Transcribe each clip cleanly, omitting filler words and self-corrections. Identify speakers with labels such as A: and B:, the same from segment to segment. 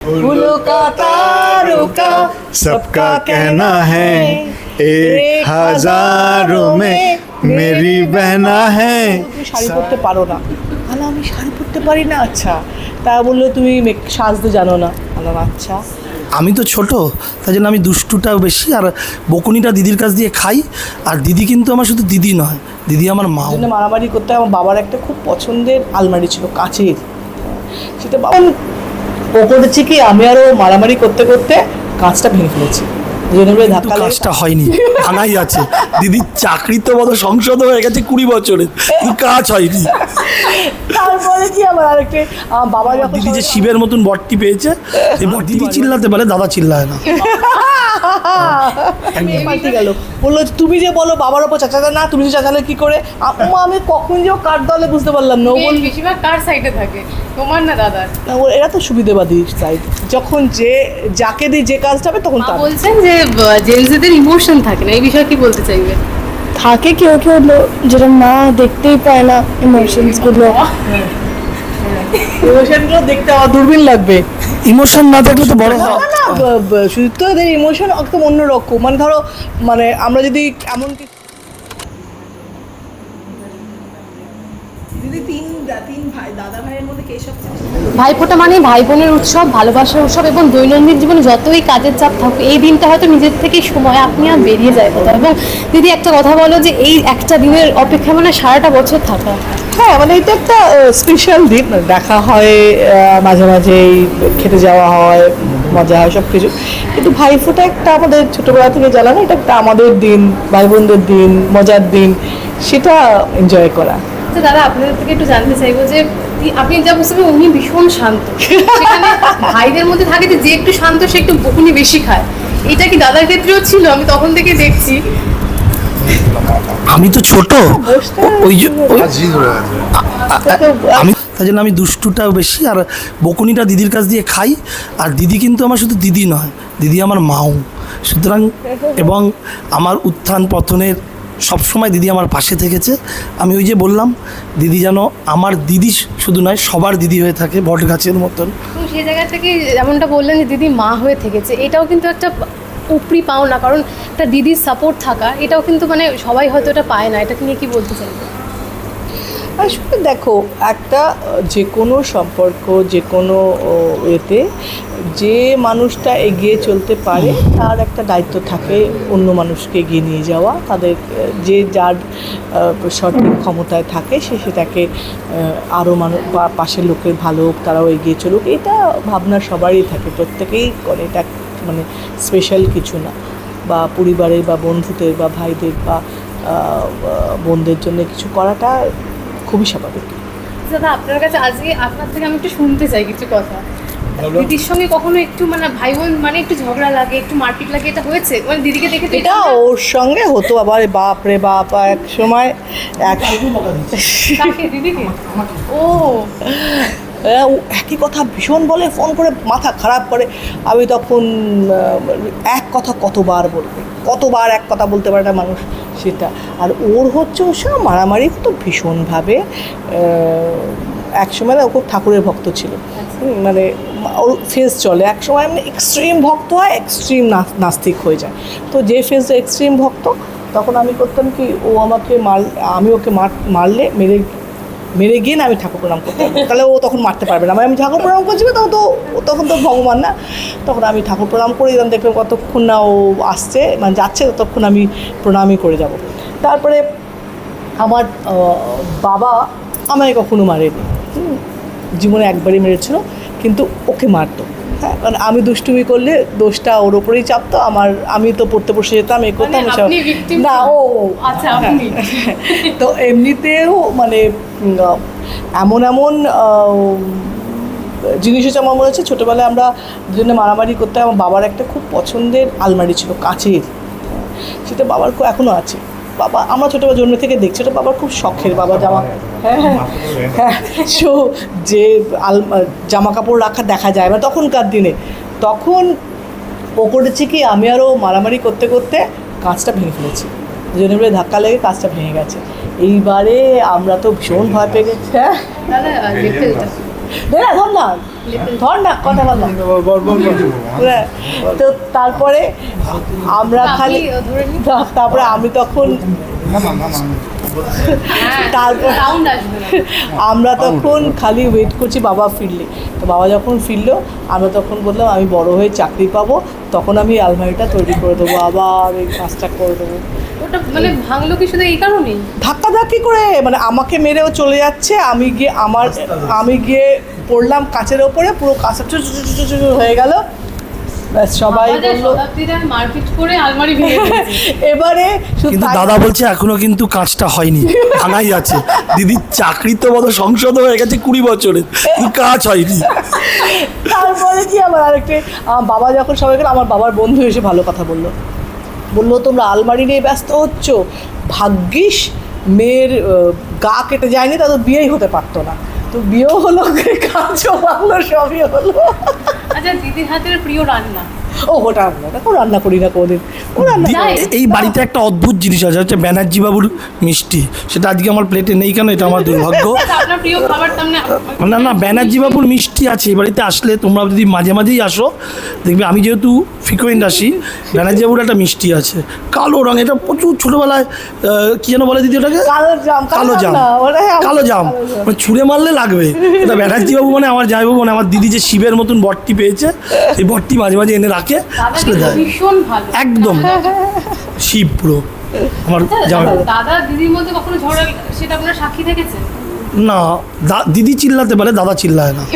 A: फूलों का तारुका सबका कहना है एक हजारों में मेरी बहना है। তুমি শাড়ি পরতে পারো না? আলা আমি শাড়ি পরতে পারি না। আচ্ছা, তা বললো তুমি সাজতে জানো না। আলাম আচ্ছা,
B: আমি তো ছোট, তাই জন্য আমি দুষ্টুটাও বেশি আর বকুনিটা দিদির কাছ দিয়ে খাই। আর দিদি কিন্তু আমার শুধু দিদি নয়, দিদি আমার মা।
A: মারামারি করতে আমার বাবার একটা খুব পছন্দের আলমারি ছিল কাচের, সেটা বাবা ও করেছে কি আমি আরও মারামারি করতে করতে কাঁচটা ভেঙে ফেলেছি।
B: কাজটা হয়নি, ভাঙাই আছে। দিদির চাকরি তো মতো সংসদ হয়ে গেছে 20 বছরে, কাজ হয়নি।
A: তারপরে কি আবার আরেকটা বাবা যখন
B: দিদি যে শিবের মতন বটটি পেয়েছে, দিদি চিল্লাতে পারে, দাদা চিল্লায় না।
A: গেল বললো তুমি যে বলো বাবার ওপর চাচাতে না, তুমি যে চাচালে কি করে? আমি কখন যে কার দলে বুঝতে পারলাম না।
C: বেশিরভাগ কার সাইডে থাকে, তোমার না দাদার?
A: এরা তো সুবিধাবাদী সাইড, যখন যে যাকে দিই যে কাজটা হবে তখন তার।
C: বলছেন যে জেন্টসদের ইমোশন থাকে না, এই বিষয়ে কি বলতে চাইবে?
D: থাকে কেউ কেউ যেটা না দেখতেই পায় না, ইমোশনসগুলো।
A: ইমোশনগুলো দেখতে আমার দূরবীন লাগবে।
B: ইমোশন না থাকলে তো বড় হয়
A: না। শুধু তো এদের ইমোশন একদম অন্যরকম। মানে ধরো, মানে আমরা যদি এমন তিন ভাই দাদা ভাইয়ের মধ্যে কে সবচেয়ে
C: ভাইফোঁটা মানে ভাই বোনের উৎসব, ভালোবাসার উৎসব, এবং দৈনন্দিন জীবনে যতই কাজের চাপ থাকুক এই দিনটা হয়তো নিজের থেকে সময় আপনি আর বেরিয়ে যায় কোথাও। এবং দিদি একটা কথা বলো যে এই একটা দিনের অপেক্ষা মানে সারাটা বছর থাকা।
A: হ্যাঁ, মানে এটা একটা স্পেশাল দিন, দেখা হয় মাঝে মাঝে, খেতে যাওয়া হয়, মজা হয় সব কিছু। কিন্তু ভাইফোঁটা একটা আমাদের ছোটোবেলা থেকে জানা না, এটা একটা আমাদের দিন, ভাই বোনদের দিন, মজার দিন, সেটা এনজয় করা।
C: তো দাদা আপনাদের থেকে একটু জানতে চাইবো যে আপনি যা বুঝতে পারেন উনি ভীষণ শান্ত, সেখানে ভাইদের মধ্যে থাকে যে একটু শান্ত সে একটু বকুনি বেশি খায়, এটা কি দাদার ক্ষেত্রেও ছিল? আমি তখন থেকে দেখছি।
B: আমি তো ছোট, আমি তাই জন্য আমি দুষ্টুটাও বেশি আর বকুনিটা দিদির কাছ দিয়ে খাই। আর দিদি কিন্তু আমার শুধু দিদি নয়, দিদি আমার মাও। সুতরাং এবং আমার উত্থান পতনের সবসময় দিদি আমার পাশে থেকেছে। আমি ওই যে বললাম, দিদি যেন আমার দিদি শুধু নয়, সবার দিদি হয়ে থাকে, বট গাছের মতন।
C: তো সেই জায়গা থেকে যেমনটা বললেন যে দিদি মা হয়ে থেকেছে, এটাও কিন্তু একটা উপরি পাওনা, কারণ একটা দিদির সাপোর্ট থাকা এটাও কিন্তু মানে সবাই হয়তো এটা পায় না। এটা নিয়ে কি বলতে চাই?
A: আসলে দেখো, একটা যে কোনো সম্পর্ক, যে কোনো এতে যে মানুষটা এগিয়ে চলতে পারে তার একটা দায়িত্ব থাকে অন্য মানুষকে এগিয়ে নিয়ে যাওয়া। তাদের যে যার সঠিক ক্ষমতায় থাকে সে সেটাকে আরও মানুষ বা পাশের লোকের ভালো হোক, তারাও এগিয়ে চলুক, এটা ভাবনা সবারই থাকে, প্রত্যেকেই করে। এটা মানে স্পেশাল কিছু না। বা পরিবারের বা বন্ধুদের বা ভাইদের বা বোনদের জন্য কিছু করাটা খুবই স্বাভাবিক।
C: দাদা আপনার কাছে আজকে আপনার থেকে আমি একটু শুনতে চাই কিছু কথা। দিদির সঙ্গে কখনো একটু মানে ভাই বোন মানে একটু ঝগড়া লাগে, একটু মারপিট লাগে, এটা হয়েছে? মানে দিদিকে দেখে
A: এটা ওর সঙ্গে হতো আবার, বাপ রে বাপ, এক সময়
C: দিদিকে ও
A: একই কথা ভীষণ বলে, ফোন করে মাথা খারাপ করে। আমি তখন এক কথা কতবার বলবে, কতবার এক কথা বলতে পারে না মানুষ সেটা। আর ওর হচ্ছে ওর সঙ্গে মারামারি হতো ভীষণভাবে। এক সময় না ও খুব ঠাকুরের ভক্ত ছিল, মানে ওর ফেজ চলে, এক সময় মানে এক্সট্রিম ভক্ত হয়, এক্সট্রিম নাস্তিক হয়ে যায়। তো যে ফেজে এক্সট্রিম ভক্ত, তখন আমি করতাম কি, ও আমাকে আমি ওকে মারলে মেরে গিয়ে না আমি ঠাকুর প্রণাম করতে পারবো, তাহলে ও তখন মারতে পারবে না। আমি ঠাকুর প্রণাম করছি, তখন তো ভগবান না, তখন আমি ঠাকুর প্রণাম করে দিলাম। দেখলাম কতক্ষণ না ও আসছে, মানে যাচ্ছে, ততক্ষণ আমি প্রণামই করে যাব। তারপরে আমার বাবা আমায় কখনো মারেনি, জীবনে একবারই মেরেছিল, কিন্তু ওকে মারতো। হ্যাঁ, মানে আমি দুষ্টুমি করলে দোষটা ওর ওপরেই চাপতো। আমি তো পড়তে বসে যেতাম, এ করতাম, না ও
C: আচ্ছা।
A: তো এমনিতেও মানে এমন জিনিস হচ্ছে, আমার মনে হচ্ছে ছোটোবেলায় আমরা দুজনে মারামারি করতে, আমার বাবার একটা খুব পছন্দের আলমারি ছিল কাচের, সেটা বাবার এখনও আছে। বাবা আমরা ছোটোবেলা জন্ম থেকে দেখছি, ওটা বাবার খুব শখের। বাবা হ্যাঁ যে জামা কাপড় রাখা দেখা যায় না তখনকার দিনে, তখন ও করেছে কি আমি আরও মারামারি করতে করতে কাঁচটা ভেঙে ফেলেছি। দুজনে মিলে ধাক্কা লেগে কাঁচটা ভেঙে গেছে। এইবারে আমরা তো ভীষণ ভয় পেয়ে গেছি। হ্যাঁ,
C: দাদা
A: ধর না ধর না কথা বল না। হ্যাঁ, তো তারপরে আমরা খালি
C: ধরে নিন।
A: তারপরে আমি তখন তারপর
C: সাউন্ড আসবে না।
A: আমরা তখন খালি ওয়েট করছি বাবা ফিরলে। তো বাবা যখন ফিরলো আমরা তখন বললাম আমি বড় হয়ে চাকরি পাবো, তখন আমি আলমারিটা তৈরি করে দেবো, আবার এই কাজটা করে দেবো।
C: ওটা মানে ভাঙলো কি শুধু এই কারণেই?
A: ধাক্কাধাক্কি করে মানে আমাকে মেরেও চলে যাচ্ছে, আমি গিয়ে পড়লাম কাচের ওপরে, পুরো কাঁচা হয়ে গেল। ব্যাস সবাই বললো
C: শতাব্দীরা মারপিট করে আলমারি ভেঙে দিয়েছে।
A: এবারে শুধু
B: কিন্তু
A: তাই-
B: দাদা বলছে এখনো কিন্তু কাজটা হয়নি, ভাঙাই আছে। দিদির চাকরি তো বড় সংসদ হয়ে গেছে 20 বছরের, কিন্তু কাজ হয়নি।
A: তারপরে কি আমার আরেকটা আমার বাবা যখন সবাই গেল, আমার বাবার বন্ধু এসে ভালো কথা বললো তোমরা আলমারি নিয়ে ব্যস্ত হচ্ছ, ভাগ্যিস মেয়ের গা কেটে যায়নি, তাদের বিয়েই হতে পারতো না। তো বিয়েও হলো, কাজও ভালো, সবই হলো।
C: আচ্ছা, দিদির হাতের প্রিয় রান্না?
A: ও ওটা রান্না করি না কোনোদিন, ও রান্না
C: যাই।
A: করে।
B: এই বাড়িতে একটা অদ্ভুত জিনিস আছে, হচ্ছে ব্যানার্জি বাবুর মিষ্টি। সেটা আজকে আমার প্লেটে নেই কেন, এটা আমার দুর্ভাগ্য।
C: আচ্ছা, আপনার প্রিয় খাবার তার মানে?
B: না ব্যানার্জি বাবুর মিষ্টি আছে এই বাড়িতে। আসলে তোমরা যদি মাঝে মাঝেই আসো দেখবে, আমি যেহেতু ফ্রিকোয়েন্ট আসি, ব্যানার্জি বাবুর একটা মিষ্টি আছে কালো রঙ, এটা প্রচুর ছোটোবেলায় কি যেন বলে দিদি ওটাকে,
A: কালো জাম
B: কালো জাম,
A: না, ওটাই আমার
B: কালো জাম, মানে ছুঁড়ে মারলে লাগবে। এটা ব্যানার্জি বাবু মানে আমার জামাইবাবু, মানে আমার দিদি যে শিবের মতন বটটি পেয়েছে, সেই বটটি মাঝে মাঝে এনে রাখে,
C: দাদা
B: আসলে
C: কিন্তু
B: দেয়।
C: ভীষণ ভালো।
B: একদম শিব পুরো আমার জামাইবাবু।
C: দাদা দিদির মধ্যে কখনো ঝগড়া, সেটা আপনার সাক্ষী থেকেছেন?
B: না দিদি চিল্লাতে পারে, দাদা চিল্লায় না।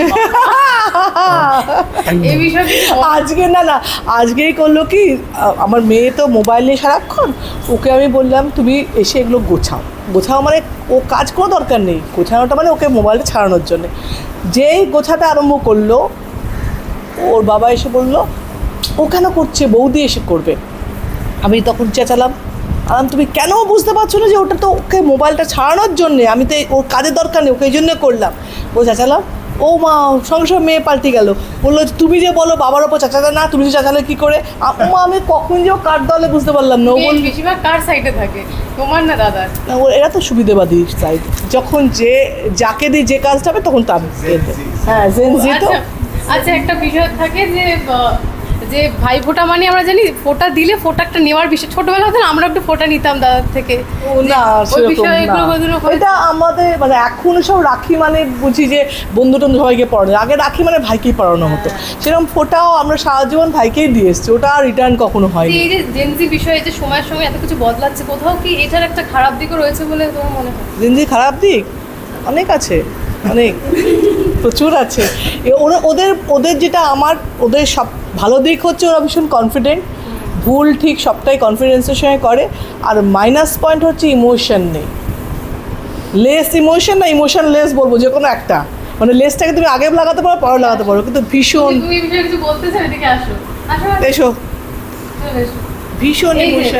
C: এই বিষয়ে কিছু বল-
A: আজকে না আজকেই করলো কি, আমার মেয়ে তো মোবাইল নিয়ে সারাক্ষণ, ওকে আমি বললাম তুমি এসে এগুলো গোছাও মানে ও কাজ কোনো দরকার নেই, গোছানোটা মানে ওকে মোবাইলটা ছাড়ানোর জন্যে। যেই গোছাতে আরম্ভ করলো, ওর বাবা এসে বললো ও কেন করছে, বৌদি এসে করবে। আমি তখন চেঁচালাম, তুমি কেন বুঝতে পারছো না যে ওটা তো ওকে মোবাইলটা ছাড়ানোর জন্যে, আমি তো ওর কাজের দরকার নেই, ওকে এই জন্য করলাম। ও চেঁচালাম, ও মা সঙ্গে সঙ্গে মেয়ে পাল্টে গেল, বললো তুমি যে বলো বাবার ওপর চাচাতে না, তুমি যে চাচালে কী করে। মা আমি কখন যে ও কার দলে বুঝতে পারলাম না। ও
C: মেয়ে
A: বলল
C: বেশিরভাগ কার সাইডে থাকে, তোমার না দাদার?
A: না, এরা তো সুবিধেবাদী সাইড, যখন যাকে দিই যে কাজটা হবে তখন তার হ্যাঁ জেনজি তো।
C: আচ্ছা, আচ্ছা, একটা বিষয় থাকে যে ভাই ফোঁটা মানে আমরা জানি ফোঁটা দিলে ফোঁটা একটা নেওয়ার বিষয়। ছোটবেলা হতো না, আমরা একটু ফোঁটা নিতাম দাদার থেকে।
A: না
C: ওই
A: সেরকম
C: বিষয়গুলো
A: না।
C: কোনোদিনও হয়েছে?
A: এটা আমাদের মানে এখন সব রাখি মানে বুঝি যে বন্ধু টন্ধু সবাইকে পড়ানো, আগে রাখি মানে ভাইকেই পড়ানো হতো। সেরকম ফোটাও আমরা সারা জীবন ভাইকেই দিয়ে এসছি, ওটা আর রিটার্ন কখনো
C: যে
A: হয়নি।
C: এই যে জেনজি বিষয়ে যে সময়ের সঙ্গে এত কিছু বদলাচ্ছে, কোথাও কি এটার একটা খারাপ দিকও রয়েছে বলে তোমার মনে হয়?
A: জিন্দি খারাপ দিক অনেক আছে, অনেক প্রচুর আছে। ওদের যেটা ওদের সব ভালো দিক হচ্ছে ওরা ভীষণ কনফিডেন্ট, ভুল ঠিক সবটাই কনফিডেন্সের সঙ্গে করে। আর মাইনাস পয়েন্ট হচ্ছে ইমোশন নেই, লেস ইমোশন না ইমোশন লেস বলবো, যে কোনো একটা, মানে লেসটাকে তুমি আগে লাগাতে পারো পরে লাগাতে পারো, কিন্তু ভীষণ
C: তুমি এই বিষয়ে কিছু বলতে চাও? এদিকে আসো, আসো,
A: এসো
C: চলে এসো।
A: ভীষণ
C: এই যে,
A: ইমোশন।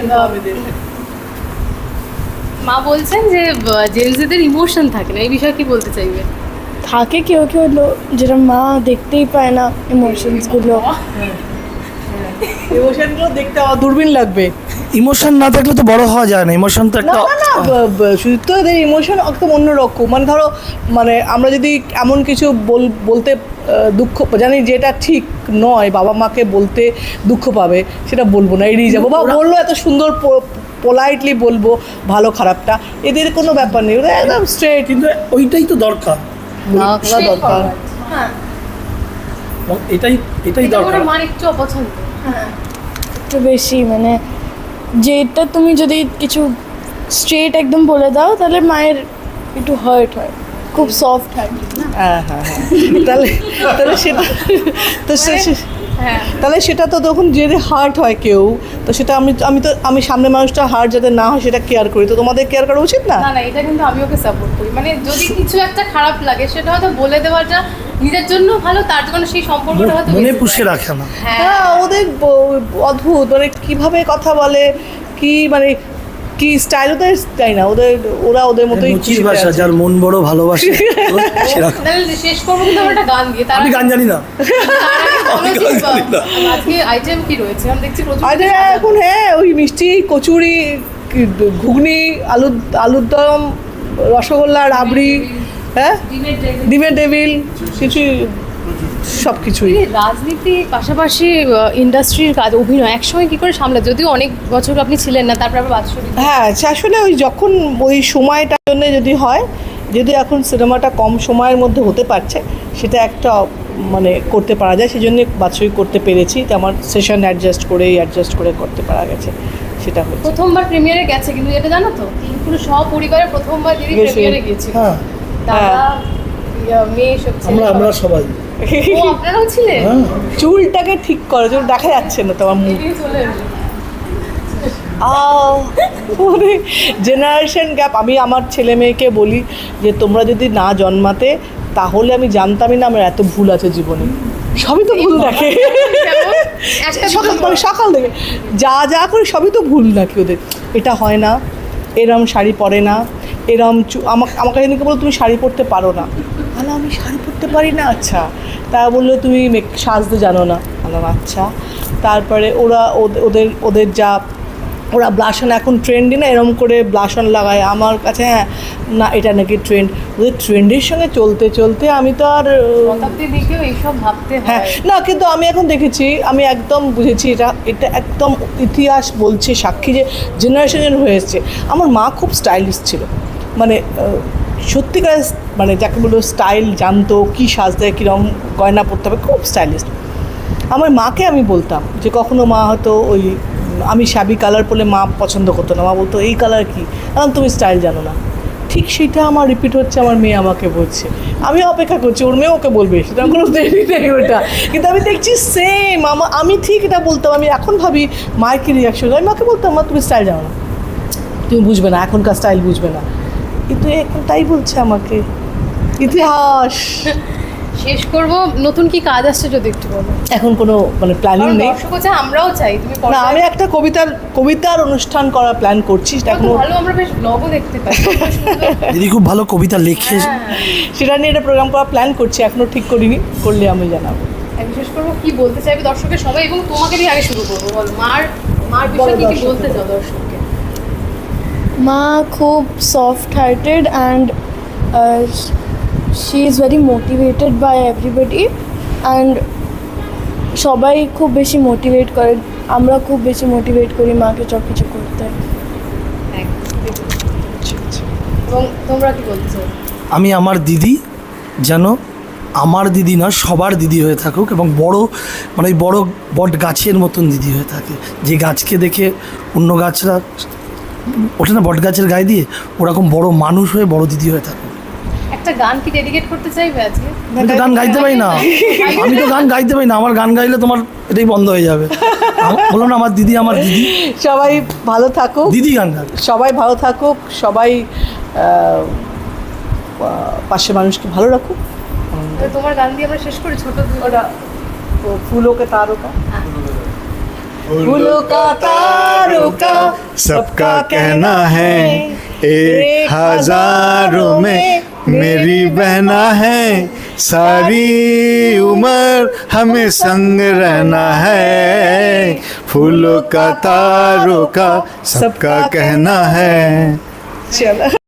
C: মা বলছেন যে জেনজিদের ইমোশন থাকে না, এই বিষয়ে কি বলতে চাইবে?
D: থাকে কেউ যেটা মা দেখতেই পায় না ইমোশনসগুলো।
A: ইমোশনগুলো দেখতে আমার দূরবীন লাগবে।
B: ইমোশন না থাকলে তো বড় হওয়া যায় না, ইমোশন তো
A: না
B: একটা
A: না না শুধু তো এদের ইমোশন একদম অন্যরকম, মানে ধরো মানে আমরা যদি এমন কিছু বলতে দুঃখ জানি যেটা ঠিক নয়, বাবা মাকে বলতে দুঃখ পাবে, সেটা বলবো না, এড়িয়ে যাবো, বা বললো এত সুন্দর পোলাইটলি বলবো ভালো খারাপটা, এদের কোনো ব্যাপার নেই, ওরা একদম স্ট্রেট।
B: কিন্তু ওইটাই তো দরকার,
A: না করা দরকার।
C: হ্যাঁ,
B: এটাই
C: এটা
B: দরকার।
C: ওর মার একটু অপছন্দ।
D: একটু বেশি মানে যেটা তুমি যদি কিছু স্ট্রেট একদম বলে দাও তাহলে মায়ের একটু হার্ট হয়, খুব সফট হয়।
A: হ্যাঁ হ্যাঁ হ্যাঁ তাহলে সেটা তো
C: হ্যাঁ,
A: তাহলে সেটা তো তখন যদি হার্ট হয় কেউ, তো সেটা আমি সামনে মানুষটা হার্ট যাতে না হয় সেটা কেয়ার করি, তো তোমাদের কেয়ার করা উচিত না?
C: না না, এটা কিন্তু আমি ওকে সাপোর্ট করি। মানে যদি কিছু একটা খারাপ লাগে সেটা হয়তো বলে দেওয়াটা নিজের জন্য ভালো, তার জন্য সেই সম্পর্কটা হয়তো
B: মনে
C: বেশি
B: পুষে
C: ভালো।
B: রাখে না।
C: হ্যাঁ,
A: হ্যাঁ ওদের অদ্ভুত, মানে কিভাবে কথা বলে, কি মানে কি স্টাইল ওদের তাই না, ওদের মতোই
B: মুচির ভাষা, যার মন বড় ভালোবাসে সেরকম।
C: তাহলে শেষ করবো কিন্তু আমরা একটা গান দিয়ে। তার
B: আমি গান জানি না।
C: আজকে আইটেম কি রয়েছে? আমি দেখছি প্রচুর
A: আরে
C: কিছু সাজানো।
A: এখন হ্যাঁ ওই মিষ্টি, কচুরি, ঘুগনি, আলুর দম, রসগোল্লা, রাবড়ি, হ্যাঁ
C: ডিমের ড্রেগন।
A: ডিমের টেবিল, কিছু সব কিছুই।
C: এই রাজনীতি পাশাপাশি ইন্ডাস্ট্রির কাজ, অভিনয় একসঙ্গে কি করে সামলা, যদিও অনেক বছর আপনি ছিলেন না, তারপর আবার বাৎসরিক।
A: হ্যাঁ আসলে ওই যখন ওই সময়টার জন্য যদি হয়, যদি এখন সিনেমাটা কম সময়ের মধ্যে হতে পারছে, সেটা একটা মানে করতে পারা যায়, সেই জন্য বাৎসরিক করতে পেরেছি। তো আমার সেশন অ্যাডজাস্ট করে করতে পারা গেছে, সেটা হচ্ছে।
C: প্রথমবার প্রিমিয়ারে গেছে, কিন্তু এটা জানো তো, পুরো সপরিবারে প্রথমবার দিদি
A: গেছে।
C: প্রিমিয়ারে গিয়েছিল।
B: হ্যাঁ
C: দাদা, মেয়ে, সব ছেলে,
B: আমরা
C: সবাই।
B: সবাই
C: ও আপনারাও ছিলেন?
B: হ্যাঁ
A: চুলটাকে ঠিক করো, চুল দেখা যাচ্ছে না তোমার মুখ।
C: এদিকে চলে এলো।
A: মানে জেনারেশন গ্যাপ। আমি আমার ছেলে মেয়েকে বলি যে তোমরা যদি না জন্মাতে, তাহলে আমি জানতামই না আমার এত ভুল আছে জীবনে। সবই তো ভুল দেখে,
C: যেমন একটা
A: সকাল থেকে যা করে সবই তো ভুল নাকি ওদের। এটা হয় না, এরম শাড়ি পরে না, এরম আমাকে যেদিনকে বলো তুমি শাড়ি পরতে পারো না, তাহলে আমি শাড়ি পরতে পারি না, আচ্ছা। তা বললো তুমি সাজতে জানো না, বললাম আচ্ছা। তারপরে ওদের যা ওরা ব্লাশন এখন ট্রেন্ডই না, এরম করে ব্লাশন লাগায় আমার কাছে। হ্যাঁ না, এটা নাকি ট্রেন্ড। ওদের ট্রেন্ডের সঙ্গে চলতে চলতে আমি তো আর
C: শতাব্দী দিকেও এইসব ভাবতে
A: হ্যাঁ
C: হয়।
A: না, কিন্তু আমি এখন দেখেছি, আমি একদম বুঝেছি এটা একদম ইতিহাস বলছে সাক্ষী যে জেনারেশন হয়ে এসছে। আমার মা খুব স্টাইলিশ ছিল, মানে সত্যিকার মানে যাকে বলবো স্টাইল জানতো, কী সাজতে কীরকম গয়না পরতে হবে, খুব স্টাইলিশ। আমার মাকে আমি বলতাম যে কখনো মা হয়তো ওই আমি শ্যাবি কালার পরলে মা পছন্দ করতো না, মা বলতো এই কালার কি, কারণ তুমি স্টাইল জানো না। ঠিক সেটা আমার রিপিট হচ্ছে, আমার মেয়ে আমাকে বলছে, আমি অপেক্ষা করছি ওর মেয়ে ওকে বলবে, সেটা কোনো দেরি নেই ওটা। কিন্তু আমি দেখছি সেম আমি ঠিক এটা বলতাম। আমি এখন ভাবি মায়ের কী রিয়াকশন, আমি মাকে বলতাম মা তুমি স্টাইল জানো না, তুমি বুঝবে না, এখনকার স্টাইল বুঝবে না। কিন্তু এখন তাই বলছে আমাকে। ইতিহাস।
C: শেষ করব, নতুন কি কাজ আসছে যদি একটু বলো।
A: এখন কোনো মানে প্ল্যানিং
C: কারণ
A: নেই।
C: দর্শকও চায়, আমরাও চাই তুমি
A: না, আমি একটা কবিতার অনুষ্ঠান করার প্ল্যান করছি, সেটা এখনো
C: ভালো, আমরা বেশ ব্লগও দেখতে পাই।
B: দিদি খুব ভালো কবিতা লেখে।
A: সেটা নিয়ে একটা প্রোগ্রাম করার প্ল্যান করছি, এখনো ঠিক করিনি, করলে আমি জানাবো।
C: আমি শেষ করবো, কি বলতে চাইবে দর্শকের সবাই, এবং তোমাকে দিয়ে আগে শুরু করবো, বলো মার বিষয়ে কি বলতে চাও দর্শককে।
D: মা খুব soft hearted and she is very motivated by everybody and সবাই খুব বেশি মোটিভেট করে, আমরা খুব বেশি মোটিভেট করি মাকে সব কিছু করতে।
C: এবং তোমরা কি বলছো?
B: আমি আমার দিদি যেন আমার দিদি না, সবার দিদি হয়ে থাকুক, এবং বড় মানে ওই বড় বট গাছের মতন দিদি হয়ে থাকে, যে গাছকে দেখে অন্য গাছরা ওঠে না বট গাছের গায়ে দিয়ে, ওরকম বড় মানুষ হয়ে বড় দিদি হয়ে থাকুক।
C: একটা গান কি ডেডিকেট করতে চাইবে আজকে?
B: আমি তো গান গাইতে পারি না, আমার গান গাইলে তোমার এটাই বন্ধ হয়ে যাবে। বললাম না আমার দিদি
A: সবাই ভালো থাকুক,
B: দিদি গান গান।
A: সবাই ভালো থাকুক, সবাই পাশে মানুষকে ভালো রাখুক।
C: তো তোমার গান দিয়ে আমরা শেষ করি, ছোট
A: ওটা फूलों के तारों का, फूलों का तारों का
E: सबका कहना है, एक हजारों में मेरी बहना है, सारी उम्र हमें संग रहना है, फूलों का तारों का सबका कहना है।
A: चलो।